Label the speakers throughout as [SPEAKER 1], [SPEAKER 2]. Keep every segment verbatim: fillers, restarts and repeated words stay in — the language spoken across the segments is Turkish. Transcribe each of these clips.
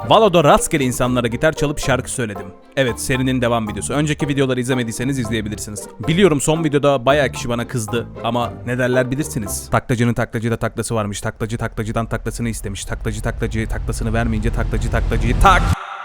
[SPEAKER 1] Valo'da rastgele insanlara gitar çalıp şarkı söyledim. Evet, serinin devam videosu. Önceki videoları izlemediyseniz izleyebilirsiniz. Biliyorum son videoda bayağı kişi bana kızdı ama ne derler bilirsiniz. Taklacının taklacıda taklası varmış. Taklacı taklacıdan taklasını istemiş. Taklacı taklacı taklasını vermeyince taklacı taklacıyı tak.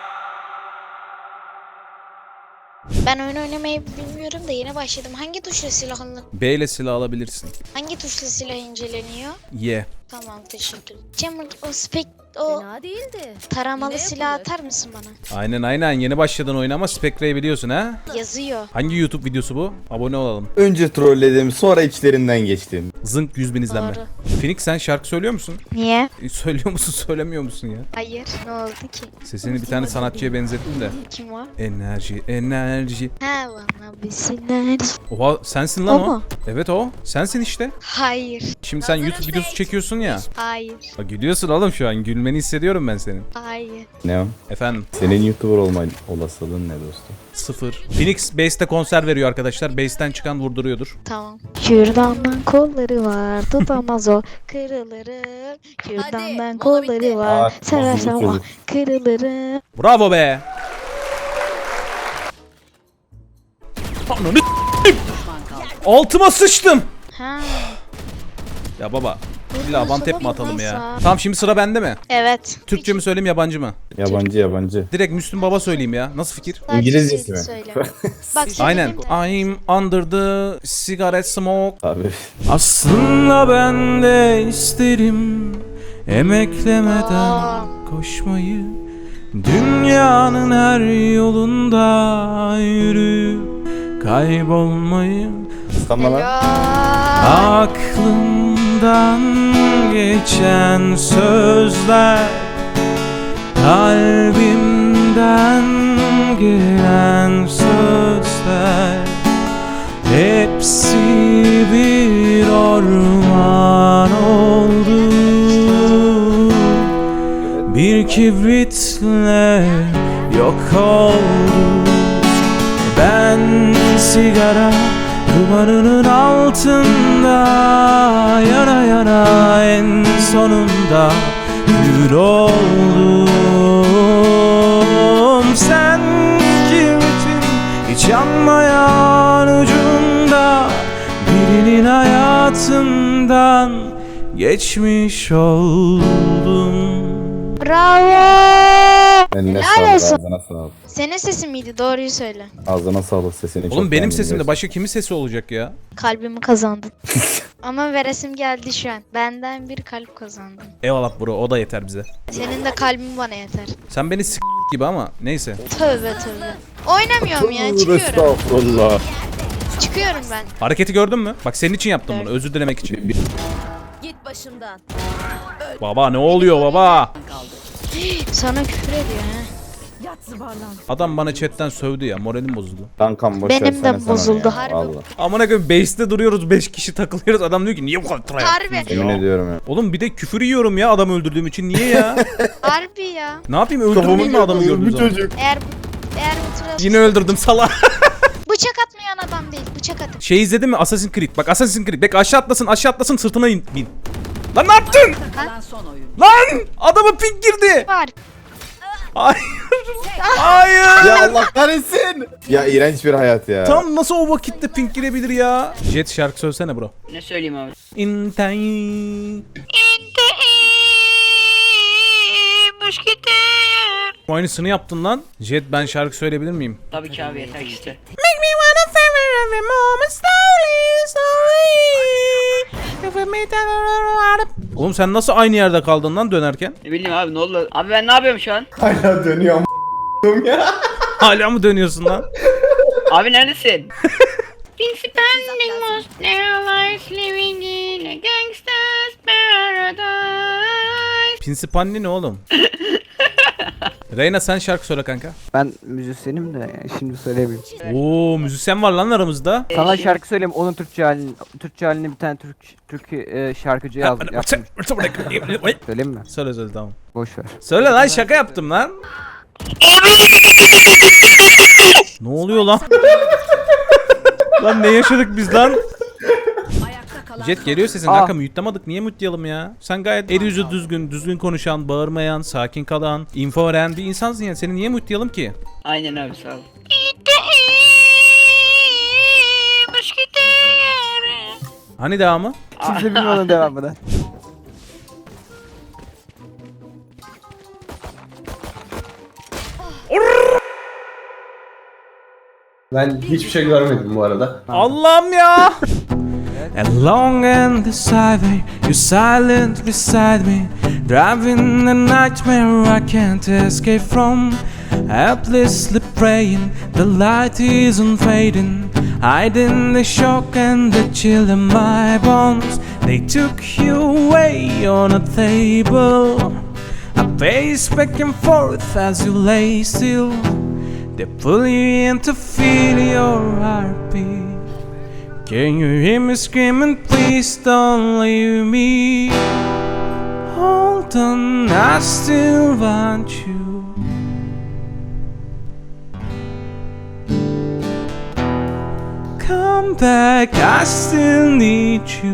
[SPEAKER 2] Ben oyun oynamayı bilmiyorum da yeni başladım. Hangi tuşla silah alınır?
[SPEAKER 1] B ile silah alabilirsin.
[SPEAKER 2] Hangi tuşla silah inceleniyor?
[SPEAKER 1] Y.
[SPEAKER 2] Tamam, teşekkür ederim. Cemal, o spek o
[SPEAKER 3] Fena değildi.
[SPEAKER 2] taramalı
[SPEAKER 3] Yine
[SPEAKER 2] silah
[SPEAKER 3] yapılır.
[SPEAKER 2] atar mısın bana?
[SPEAKER 1] Aynen aynen yeni başladın oyuna ama Spectre'yi biliyorsun ha?
[SPEAKER 2] Yazıyor.
[SPEAKER 1] Hangi YouTube videosu bu? Abone olalım.
[SPEAKER 4] Önce trolledim, sonra içlerinden geçtim.
[SPEAKER 1] Zınk yüz bin izlenme.
[SPEAKER 2] Doğru.
[SPEAKER 1] Phoenix sen şarkı söylüyor musun?
[SPEAKER 2] Niye?
[SPEAKER 1] E, söylüyor musun söylemiyor musun ya?
[SPEAKER 2] Hayır. Ne oldu ki?
[SPEAKER 1] Sesini bir tane sanatçıya benzettim de.
[SPEAKER 2] Kim o?
[SPEAKER 1] Enerji, enerji.
[SPEAKER 2] Ha, bana bir silah.
[SPEAKER 1] Oha sensin lan
[SPEAKER 2] O
[SPEAKER 1] o.
[SPEAKER 2] mu?
[SPEAKER 1] Evet o. Sensin işte.
[SPEAKER 2] Hayır.
[SPEAKER 1] Şimdi sen YouTube videosu çekiyorsun ya.
[SPEAKER 2] Hayır.
[SPEAKER 1] Bak gülüyorsun oğlum şu an. Gülmeni hissediyorum ben senin.
[SPEAKER 2] Hayır.
[SPEAKER 4] Ne o?
[SPEAKER 1] Efendim
[SPEAKER 4] Senin YouTuber olma olasılığın ne dostum?
[SPEAKER 1] sıfır. Phoenix Base'te konser veriyor arkadaşlar. Base'ten çıkan vurduruyordur.
[SPEAKER 2] Tamam. Kürdandan kolları var, tutamaz o, kırılırım. Kürdandan
[SPEAKER 3] mola
[SPEAKER 2] kolları
[SPEAKER 3] bitti.
[SPEAKER 2] var,
[SPEAKER 4] Aa,
[SPEAKER 2] seversem
[SPEAKER 4] bozuldu
[SPEAKER 2] o,
[SPEAKER 4] çocuk.
[SPEAKER 2] kırılırım.
[SPEAKER 1] Bravo be. Ananı altıma sıçtım.
[SPEAKER 2] Ha.
[SPEAKER 1] Ya baba. İlla one tap mi atalım ya?
[SPEAKER 2] Neyse.
[SPEAKER 1] Tamam şimdi sıra bende mi?
[SPEAKER 2] Evet.
[SPEAKER 1] Türkçe mi söyleyeyim yabancı mı?
[SPEAKER 4] Yabancı yabancı.
[SPEAKER 1] Direkt Müslüm Baba söyleyeyim ya. Nasıl fikir?
[SPEAKER 2] Sadece
[SPEAKER 4] İngilizcesi mi?
[SPEAKER 2] söyle. Bak
[SPEAKER 1] Aynen.
[SPEAKER 2] söyleyeyim de.
[SPEAKER 1] I'm under the cigarette smoke.
[SPEAKER 4] Abi
[SPEAKER 1] Aslında ben de isterim emeklemeden
[SPEAKER 2] Aa.
[SPEAKER 1] koşmayı. Dünyanın her yolunda yürüyüp kaybolmayı.
[SPEAKER 4] kıskanma lan.
[SPEAKER 2] Helal.
[SPEAKER 1] Aklımdan geçen sözler, kalbimden gelen sözler, hepsi bir orman oldu. Bir kibritle yok oldu. Ben sigara dumanının altında yana yana en sonunda kül oldum. Sen kibritin hiç yanmayan ucunda birinin hayatından geçmiş oldum.
[SPEAKER 2] Bravo.
[SPEAKER 4] Eline
[SPEAKER 2] Helal
[SPEAKER 4] sağlık,
[SPEAKER 2] olsun.
[SPEAKER 4] ağzına sağlık.
[SPEAKER 2] Senin sesin miydi? Doğruyu söyle.
[SPEAKER 4] Ağzına sağlık, sesini çok
[SPEAKER 1] Oğlum benim
[SPEAKER 4] beğendim
[SPEAKER 1] sesimde
[SPEAKER 4] gerçekten.
[SPEAKER 1] başka kimin sesi olacak ya?
[SPEAKER 2] Kalbimi kazandın. Ama veresim geldi şu an. Benden bir kalp kazandın.
[SPEAKER 1] Eyvallah bro o da yeter bize.
[SPEAKER 2] Senin de kalbin bana yeter.
[SPEAKER 1] Sen beni s*** gibi ama neyse.
[SPEAKER 2] Tövbe tövbe. Oynamıyorum ya.
[SPEAKER 4] Tövbe
[SPEAKER 2] Çıkıyorum.
[SPEAKER 4] Estağfurullah.
[SPEAKER 2] Çıkıyorum ben.
[SPEAKER 1] Hareketi gördün mü? Bak senin için yaptım bunu özür dilemek için.
[SPEAKER 3] Git başımdan.
[SPEAKER 1] Baba ne oluyor baba?
[SPEAKER 2] Sana küfür ediyor ha.
[SPEAKER 3] Yat zıbarlan.
[SPEAKER 1] Adam bana chatten sövdü ya moralim bozuldu.
[SPEAKER 4] Kankam boş
[SPEAKER 2] Benim
[SPEAKER 4] versene
[SPEAKER 2] de
[SPEAKER 4] sen
[SPEAKER 2] bozuldu,
[SPEAKER 4] ya,
[SPEAKER 2] harbi.
[SPEAKER 4] vallahi.
[SPEAKER 1] Amına koyayım base'te duruyoruz beş kişi takılıyoruz adam diyor ki niye bu kadar try
[SPEAKER 2] Harbi.
[SPEAKER 1] yaptınız
[SPEAKER 4] Yemin
[SPEAKER 1] ya?
[SPEAKER 4] ediyorum ya.
[SPEAKER 1] Oğlum bir de küfür yiyorum ya adam öldürdüğüm için niye ya?
[SPEAKER 2] Harbi ya.
[SPEAKER 1] Ne yapayım öldürmeyeyim mi adamı gördüğüm zaman?
[SPEAKER 2] Eğer bu, eğer bu tura
[SPEAKER 1] Yine öldürdüm sala.
[SPEAKER 2] bıçak atmayan adam değil. Bıçak atın.
[SPEAKER 1] Şey izledin mi Assassin's Creed? Bak Assassin's Creed. Bek aşağı atlasın aşağı atlasın sırtına in, bin. Lan ne yaptın?
[SPEAKER 3] Kalan son oyun.
[SPEAKER 1] Lan adamın ping girdi.
[SPEAKER 2] Var.
[SPEAKER 1] Hayır. Hayır.
[SPEAKER 4] Ya Allah kahretsin. Ya iğrenç bir hayat ya.
[SPEAKER 1] Tam nasıl o vakitte ping girebilir ya? Jet şarkı söylesene bro.
[SPEAKER 5] Ne söyleyeyim abi?
[SPEAKER 1] İntay. Aynısını yaptın lan. Jet ben şarkı söyleyebilir miyim?
[SPEAKER 5] Tabii ki abi yeter işte.
[SPEAKER 1] Make me wanna favor every moment slowly, slowly. Oğlum sen nasıl aynı yerde kaldın lan dönerken?
[SPEAKER 5] Ne bileyim abi ne oldu? Abi ben ne yapıyorum şu an?
[SPEAKER 4] Hala dönüyor am- ya.
[SPEAKER 1] Hala mı dönüyorsun lan?
[SPEAKER 5] Abi neredesin? Been spending most their lives living in a gangster's paradise.
[SPEAKER 1] Pinsipanli ne oğlum? Reyna sen şarkı söyle kanka.
[SPEAKER 6] Ben müzisyenim de yani şimdi söyleyeyim.
[SPEAKER 1] Oo müzisyen var lan aramızda.
[SPEAKER 6] Sana şarkı söyleyeyim, onun Türkçe halini, Türkçe halini bir tane Türk Türk e, şarkıcı yaz, yaptım. Söyleyeyim mi?
[SPEAKER 1] Söyle söyle tamam.
[SPEAKER 6] Boş ver.
[SPEAKER 1] Söyle lan şaka yaptım lan. Ne oluyor lan? Lan ne yaşadık biz lan?
[SPEAKER 3] Ayakta kalan
[SPEAKER 1] Jet geliyor sesin
[SPEAKER 6] Aa.
[SPEAKER 1] kanka, mute'lamadık. Niye mute'layalım ya? Sen gayet el yüzü düzgün, düzgün konuşan, bağırmayan, sakin kalan, info veren bir insansın yani. Seni niye mute'layalım ki?
[SPEAKER 5] Aynen abi sağ ol.
[SPEAKER 1] Hani devamı?
[SPEAKER 6] Kimse bilmiyor onun devamını.
[SPEAKER 7] Ben hiçbir şey görmedim bu arada.
[SPEAKER 1] Allah'ım ya. Along and the highway, you're silent beside me, driving a nightmare I can't escape from. Helplessly praying, the light isn't fading, hiding the shock and the chill in my bones. They took you away on a table. I pace back and forth as you lay still. They pull you in to feel your heartbeat. Can you hear me screaming, please don't leave me? Hold on, I still want you. Come back, I still need you.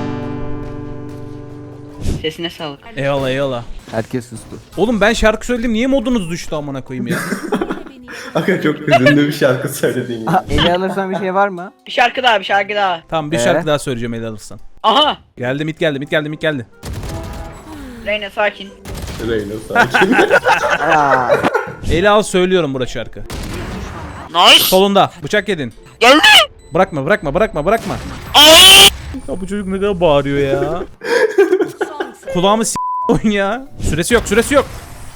[SPEAKER 5] Sesine sağlık.
[SPEAKER 1] Eyvallah eyvallah.
[SPEAKER 6] Herkes sustu.
[SPEAKER 1] Oğlum ben şarkı söyledim, niye modunuz düştü amına koyayım ya?
[SPEAKER 7] Aga çok hüzünlü bir şarkı söyledin ya.
[SPEAKER 6] Aha, eli alırsan bir şey var mı?
[SPEAKER 5] Bir şarkı daha bir şarkı daha.
[SPEAKER 1] Tamam, bir
[SPEAKER 6] Ee?
[SPEAKER 1] şarkı daha söyleyeceğim el alırsan.
[SPEAKER 5] Aha.
[SPEAKER 1] Geldi mit geldi mit geldi mit geldi.
[SPEAKER 5] Reyna sakin.
[SPEAKER 7] Reyna sakin.
[SPEAKER 6] Aa,
[SPEAKER 1] Eli al söylüyorum burada şarkı.
[SPEAKER 5] Nice.
[SPEAKER 1] Solunda bıçak yedin.
[SPEAKER 5] Geldi.
[SPEAKER 1] Bırakma bırakma bırakma bırakma. Ya bu çocuk ne kadar bağırıyor ya. Kulağımı s*** oyun ya. Süresi yok süresi yok.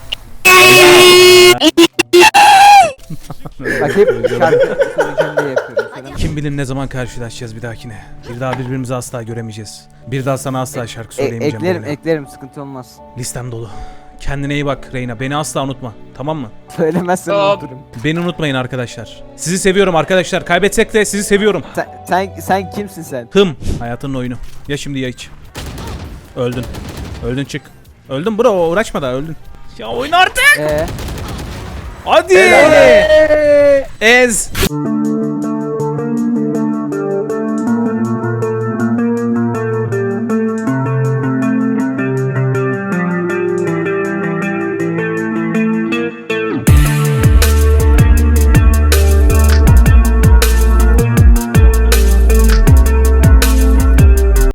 [SPEAKER 6] bak hep şarkı söyleyeceğim diye yapıyorum. Sana.
[SPEAKER 1] Kim bilir ne zaman karşılaşacağız bir dahakine. Bir daha birbirimizi asla göremeyeceğiz. Bir daha sana asla şarkı
[SPEAKER 6] E,
[SPEAKER 1] söyleyemeyeceğim.
[SPEAKER 6] eklerim
[SPEAKER 1] böyle.
[SPEAKER 6] eklerim sıkıntı olmaz.
[SPEAKER 1] Listem dolu. Kendine iyi bak Reyna. Beni asla unutma. Tamam mı?
[SPEAKER 6] Söylemezsen
[SPEAKER 5] Hop.
[SPEAKER 6] unuturum.
[SPEAKER 1] Beni unutmayın arkadaşlar. Sizi seviyorum arkadaşlar. Kaybetsek de sizi seviyorum.
[SPEAKER 6] Sen, sen, sen kimsin sen?
[SPEAKER 1] Hım. Hayatının oyunu. Ya şimdi ya hiç. Öldün. Öldün çık. Öldün bro, uğraşma da öldün. Ya oyna artık.
[SPEAKER 6] Eee?
[SPEAKER 1] Hadi. Ez.